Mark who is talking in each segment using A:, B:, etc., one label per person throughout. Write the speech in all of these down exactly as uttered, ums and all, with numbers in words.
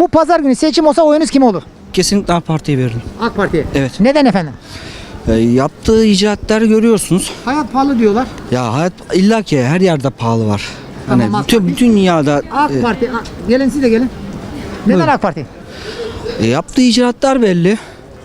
A: Bu pazar günü seçim olsa oyunuz kime olur?
B: Kesinlikle AK Parti'ye veririm.
A: AK Parti'ye.
B: Evet.
A: Neden efendim?
B: E, yaptığı icraatları görüyorsunuz.
A: Hayat pahalı diyorlar.
B: Ya hayat illa ki her yerde pahalı var. Hani
A: Tamam, AK
B: bütün,
A: Parti.
B: bütün dünyada
A: AK
B: e,
A: Parti. A- Gelin siz de gelin. Neden
B: Buyurun.
A: AK Parti?
B: e, yaptığı icraatlar belli.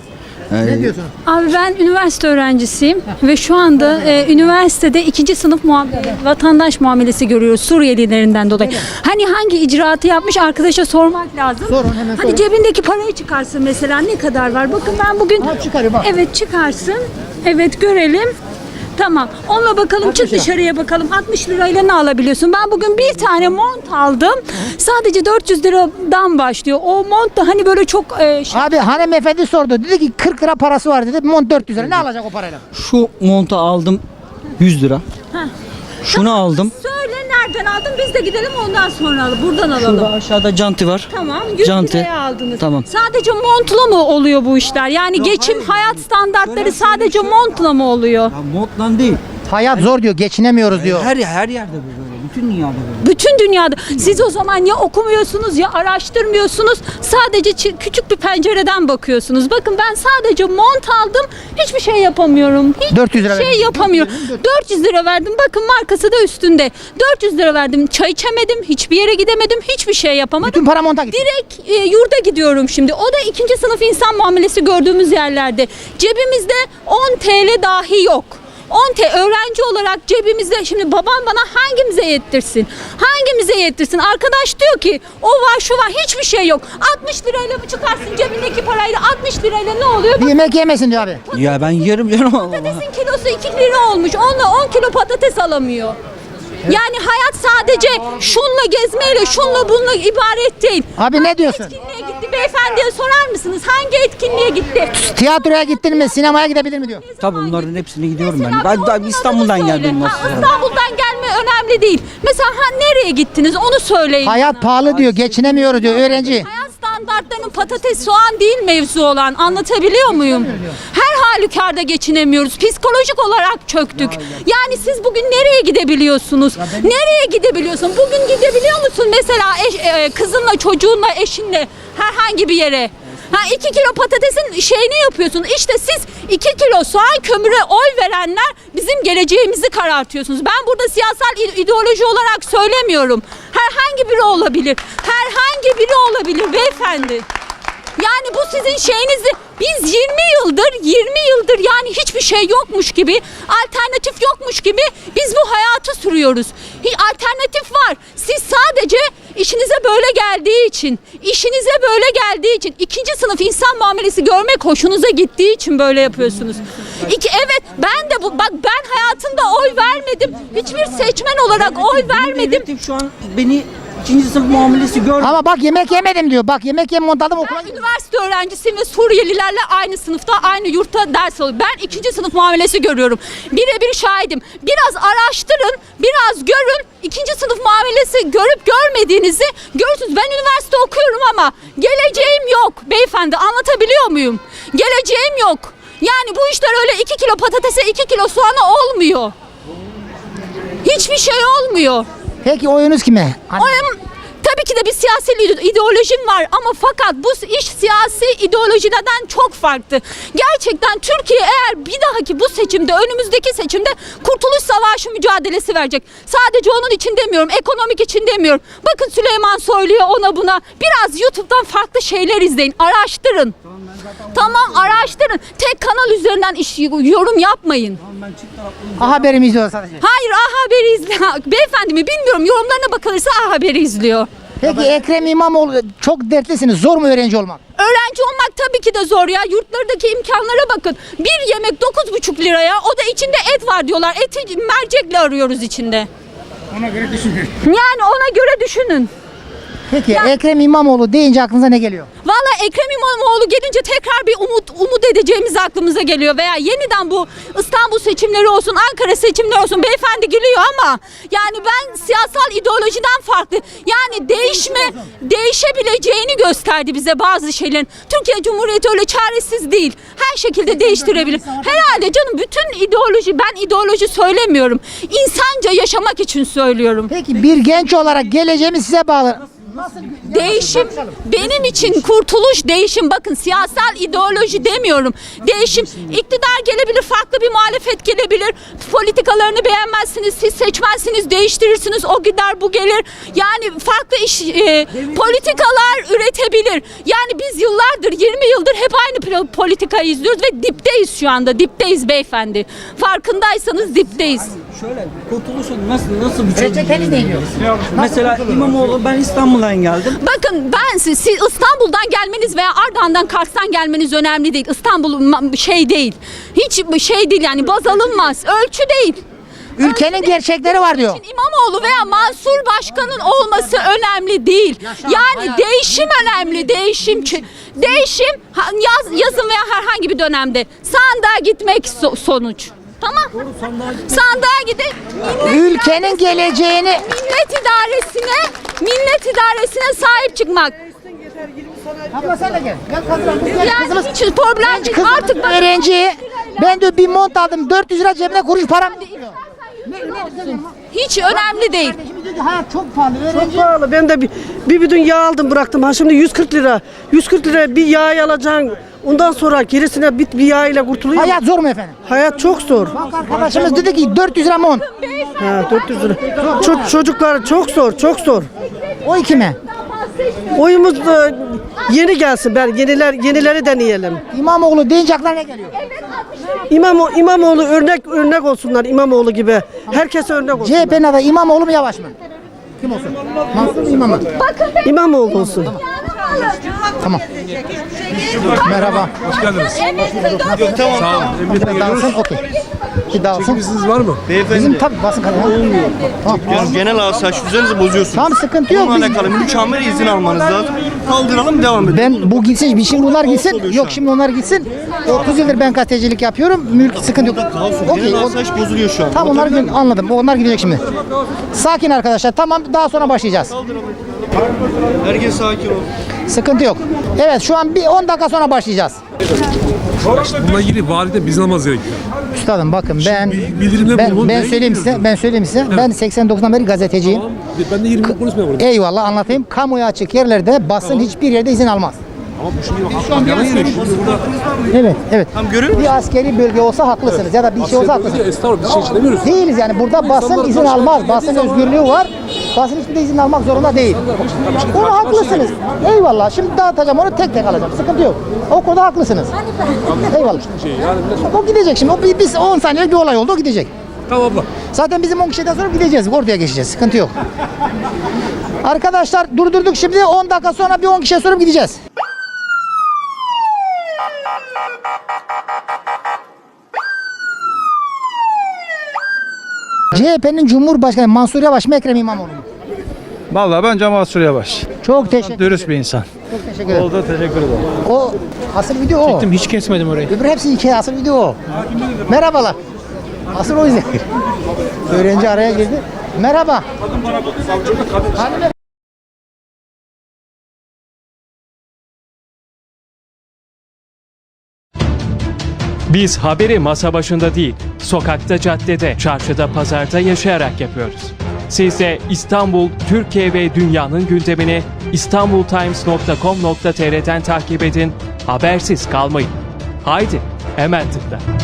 B: E,
A: Ne diyorsunuz?
C: Abi ben üniversite öğrencisiyim ve şu anda e, üniversitede ikinci sınıf muamele, vatandaş muamelesi görüyoruz Suriyelilerinden dolayı. Hani hangi icraatı yapmış arkadaşa sormak lazım.
A: Sorun, hemen
C: Hadi
A: sorun.
C: cebindeki parayı çıkarsın mesela ne kadar var? Bakın ben bugün
A: Ha, çıkarıyor bak.
C: evet çıkarsın. Evet görelim. Tamam. Onunla bakalım
A: altmış
C: çık
A: lira.
C: dışarıya bakalım. altmış lirayla ne alabiliyorsun? Ben bugün bir tane mont aldım. Sadece dört yüz liradan başlıyor. O mont da hani böyle çok e, şey-
A: Abi hanımefendi sordu. Dedi ki kırk lira parası var dedi. Mont dört yüz lira. Ne alacak o parayla?
B: Şu montu aldım yüz lira.
C: Heh.
B: Şunu aldım.
C: Söyle nereden aldın? Biz de gidelim ondan sonra alalım. Buradan alalım.
B: Şurada aşağıda canti var.
C: Tamam. yüz
B: Canti.
C: liraya aldınız.
B: Tamam.
C: Sadece montla mı oluyor bu işler? Yani geçim, hayat standartları sadece montla mı oluyor?
B: Ya montla değil.
A: Hayat zor diyor. Geçinemiyoruz diyor.
B: Her her yerde bu böyle. Bütün dünyada böyle.
C: Bütün dünyada. Siz o zaman ya okumuyorsunuz ya araştırmıyorsunuz. Sadece çi- küçük bir pencereden bakıyorsunuz. Bakın ben sadece mont aldım. Hiçbir şey yapamıyorum. Hiçbir
A: dört yüz lira
C: şey
A: verdin.
C: yapamıyorum. dört yüz lira verdim. Bakın markası da üstünde. dört yüz lira verdim. Çay içemedim. Hiçbir yere gidemedim. Hiçbir şey yapamadım.
A: Bütün para monta gitti.
C: Direkt e, yurda gidiyorum şimdi. O da ikinci sınıf insan muamelesi gördüğümüz yerlerde. Cebimizde on T L dahi yok. on T L öğrenci olarak cebimizde şimdi babam bana hangimize yettirsin? Hangimize yettirsin? Arkadaş diyor ki o var şu var hiçbir şey yok. altmış lirayla mı çıkarsın cebindeki parayla altmış lirayla ne oluyor?
A: Bir yemek yemesin diyor abi.
B: Ya ben yerim canım Allah.
C: Patatesin kilosu iki lira olmuş. Onunla on kilo patates alamıyor. Yani hayat sadece şunla gezmeyle, şunla bununla ibaret değil.
A: Abi ne diyorsun?
C: Etkinliğe gitti beyefendiye sorar mısınız? Hangi etkinliğe gitti?
A: Tiyatroya gittin mi? Sinemaya gidebilir mi diyor.
B: Tabii bunların hepsine gidiyorum ben.
C: Mesela
B: Ben
C: bir
B: daha
C: onun
B: İstanbul'dan
C: adını söyle.
B: geldim
C: Ha,
B: aslında.
C: İstanbul'dan gelme önemli değil. Mesela ha nereye gittiniz onu söyleyin.
A: Hayat
C: bana.
A: pahalı diyor. Geçinemiyoruz diyor öğrenci.
C: Hayat standartlarının patates, soğan değil mevzu olan. Anlatabiliyor muyum? Her halükarda geçinemiyoruz. Psikolojik olarak çöktük. Yani siz bugün nereye gidebiliyorsunuz? Nereye gidebiliyorsun? Bugün gidebiliyor musun mesela eş- e, kızınla, çocuğunla, eşinle herhangi bir yere? Ha iki kilo patatesin şeyini yapıyorsun. İşte siz iki kilo soğan kömüre oy verenler bizim geleceğimizi karartıyorsunuz. Ben burada siyasal ide- ideoloji olarak söylemiyorum. Herhangi biri olabilir. Herhangi biri olabilir beyefendi. Yani bu sizin şeyinizi biz yirmi yıldır yirmi yıldır yani hiçbir şey yokmuş gibi alternatif yokmuş gibi biz bu hayatı sürüyoruz. Hiç alternatif var. Siz sadece işinize böyle geldiği için, işinize böyle geldiği için, ikinci sınıf insan muamelesi görmek hoşunuza gittiği için böyle yapıyorsunuz. İki, evet ben de bu bak ben hayatımda oy vermedim. Hiçbir seçmen olarak oy vermedim.
B: Devletim şu an beni ikinci sınıf muamelesi gördü.
A: Ama bak yemek yemedim diyor. Bak yemek yem mont aldım okula
C: Ben
A: gidiyorum.
C: üniversite öğrencisiyim ve Suriyelilerle aynı sınıfta, aynı yurtta ders alıyorum. Ben ikinci sınıf muamelesi görüyorum. Birebir şahidim. Biraz araştırın, biraz görün. İkinci sınıf muamelesi görüp görmediğinizi görürsünüz. Ben üniversite okuyorum ama geleceğim yok. Beyefendi anlatabiliyor muyum? Geleceğim yok. Yani bu işler öyle iki kilo patatese iki kilo soğana olmuyor. Hiçbir şey olmuyor.
A: Peki oyunuz kime? Hani-
C: Oyum tabii ki de bir siyasi ide- ideolojim var ama fakat bu iş siyasi ideolojiden çok farklı. Gerçekten Türkiye eğer bir dahaki bu seçimde önümüzdeki seçimde Kurtuluş Savaşı mücadelesi verecek. Sadece onun için demiyorum, ekonomik için demiyorum. Bakın Süleyman Soylu'ya ona buna biraz YouTube'dan farklı şeyler izleyin, araştırın. Tamam araştırın. Tek kanal üzerinden iş, yorum yapmayın.
A: A Haber'i izliyor sadece.
C: Hayır A Haber'i izliyor. Beyefendi mi bilmiyorum yorumlarına bakılırsa A Haber'i izliyor.
A: Peki Ekrem İmamoğlu çok dertlisiniz. Zor mu öğrenci olmak?
C: Öğrenci olmak tabii ki de zor ya. Yurtlardaki imkanlara bakın. Bir yemek dokuz buçuk liraya. O da içinde et var diyorlar. Eti mercekle arıyoruz içinde.
A: Ona göre düşünün.
C: Yani ona göre düşünün.
A: Peki
C: Ya-
A: Ekrem İmamoğlu deyince aklınıza ne geliyor?
C: Valla Ekrem İmamoğlu gelince tekrar bir umut umut edeceğimiz aklımıza geliyor veya yeniden bu İstanbul seçimleri olsun, Ankara seçimleri olsun beyefendi gülüyor ama yani ben siyasal ideolojiden farklı yani değişme değişebileceğini gösterdi bize bazı şeylerin. Türkiye Cumhuriyeti öyle çaresiz değil. Her şekilde değiştirebilir. Herhalde canım bütün ideoloji ben ideoloji söylemiyorum. İnsanca yaşamak için söylüyorum.
A: Peki bir genç olarak geleceğimiz size bağlı.
C: Değişim benim için kurtuluş değişim, bakın siyasal ideoloji demiyorum. Değişim, iktidar gelebilir, farklı bir muhalefet gelebilir. Politikalarını beğenmezsiniz, siz seçmezsiniz, değiştirirsiniz, o gider bu gelir. Yani farklı iş e, politikalar üretebilir. Yani biz yıllardır, yirmi yıldır hep aynı politikayı izliyoruz ve dipteyiz şu anda. Dipteyiz beyefendi. Farkındaysanız dipteyiz.
B: Şöyle kurtuluşun nasıl nasıl bir çözüm?
A: Reçeteniz ne diyor?
B: Mesela İmamoğlu, ben İstanbul'dan geldim.
C: Bakın ben siz, siz İstanbul'dan gelmeniz veya Ardahan'dan Kars'tan gelmeniz önemli değil. İstanbul ma- şey değil. Hiç şey değil yani, baz alınmaz. Ölçü değil.
A: Ülkenin gerçekleri var diyor.
C: İmamoğlu veya Mansur Başkan'ın olması önemli değil. Yani değişim önemli, değişim. Ç- Değişim ha- yaz, yazın veya herhangi bir dönemde sandığa gitmek so- sonuç. Tamam. Sandığa gidip millet,
A: Ülkenin geleceğini
C: millet idaresine, millet idaresine sahip çıkmak.
A: Abla sen de gel. Gel kızım. Gel
C: Yani
A: kızımız.
C: hiç problem değil.
A: Kız
C: Artık bak-
A: öğrenci. Ben de bir mont aldım. dört yüz lira cebine kuruş param.
C: hiç önemli değil.
A: Şimdi diyor ki hayat çok pahalı. Öğrenci.
D: Pahalı. Ben de bir, bir bidon yağ aldım bıraktım. Ha şimdi yüz kırk lira. yüz kırk lira bir yağ alacaksın. Ondan sonra gerisine bir, bir yağ ile kurtuluyor. Hayat,
A: Hayat zor mu efendim?
D: Hayat çok zor.
A: Bak arkadaşımız dedi ki dört yüz lira mont.
D: Ha, dört yüz lira. Ço- çocuklar çok zor, çok zor.
A: O kime?
D: Oyumuz da yeni gelsin. Ben yeniler yenileri deneyelim.
A: İmamoğlu deyince aklına ne geliyor?
D: İmamo, İmamoğlu örnek örnek olsunlar İmamoğlu gibi. Herkese örnek olsun.
A: C H P'nin adayı İmamoğlu mu Yavaş mı? Kim olsun? Mansur mu İmam mı?
D: İmamoğlu olsun.
A: Tamam. Merhaba.
E: Hoş geldiniz.
C: Tamam.
E: Sağ olun. Emniyete
A: Bir
E: geliyoruz.
A: dağılsın, okey. Bir dağılsın.
E: Çekimiziniz var mı?
A: Bizim tabii basın kanalı. Olmuyor. Tamam.
F: Yani genel asayiş düzeninizi bozuyorsunuz.
A: Tamam, sıkıntı yok.
F: Bununla
A: Biz-
F: alakalı mükemmel izin almanız lazım. Kaldıralım, devam edelim.
A: Ben bu gitsin, bir şimdi bunlar gitsin.
F: oluyor şu
A: Yok
F: an.
A: şimdi onlar gitsin. otuz yıldır ben gazetecilik yapıyorum. Mülk sıkıntı yok. Okey.
F: Genel
A: o-
F: asayiş bozuluyor şu an.
A: Tamam, onları gün anladım. Onlar gidecek şimdi. Sakin arkadaşlar. Tamam, daha sonra başlayacağız.
F: Herkes sakin ol.
A: Sıkıntı yok. Evet, şu an bir on dakika sonra başlayacağız.
E: Bununla ilgili valide bizden almaz gerekiyor.
A: Üstadım bakın ben
E: bildirimde
A: ben,
E: bulunun,
A: ben
E: neye
A: söyleyeyim size.
E: gidiyorsun?
A: Ben söyleyeyim size. Ben seksen dokuzdan beri gazeteciyim.
E: Tamam. Ben de yirmi yıl konuşmuyorum burada.
A: Eyvallah, anlatayım. Kamuya açık yerlerde basın hiçbir yerde izin almaz.
E: Ama bu şimdi bak, halk yana geliyor. Şimdi burada
A: Evet, evet.
F: Tam görüyor musun?
A: Bir askeri bölge olsa haklısınız ya da bir şey olsa haklısınız.
E: estağfurullah bir şey için demiyoruz.
A: Değiliz yani, burada basın
E: İnsanlar
A: izin
E: karşı
A: almaz.
E: karşıya
A: Basın
E: geldiği zaman-
A: özgürlüğü var. Basın hiçbir de izin almak zorunda değil. Onu haklısınız. Eyvallah. Şimdi dağıtacağım, onu tek tek alacağım. Sıkıntı yok. O konuda haklısınız. Eyvallah.
E: Şey, yani millet-
A: O gidecek şimdi. O bir, biz on saniye bir olay oldu, o gidecek.
E: Tamam abla.
A: Zaten bizim on kişiden sonra gideceğiz. Ortaya geçeceğiz. Sıkıntı yok. Arkadaşlar durdurduk şimdi. on dakika sonra bir on kişiye sorup gideceğiz. C H P'nin Cumhurbaşkanı Mansur Yavaş mı Ekrem İmamoğlu mu?
G: Vallahi bence Mansur Yavaş.
A: Çok teşekkür ederim.
G: Dürüst bir insan.
A: Çok teşekkür ederim.
G: Oldu, teşekkür ederim.
A: O asıl video o.
G: Hiç kesmedim orayı.
A: Öbür hepsi iki, asıl video o. Merhabalar. Asıl o yüzden. Öğrenci araya girdi. Merhaba. Hanım-
H: Biz haberi masa başında değil, sokakta, caddede, çarşıda, pazarda yaşayarak yapıyoruz. Siz de İstanbul, Türkiye ve dünyanın gündemini istanbultimes nokta com nokta tr'den takip edin, habersiz kalmayın. Haydi, hemen tıkla.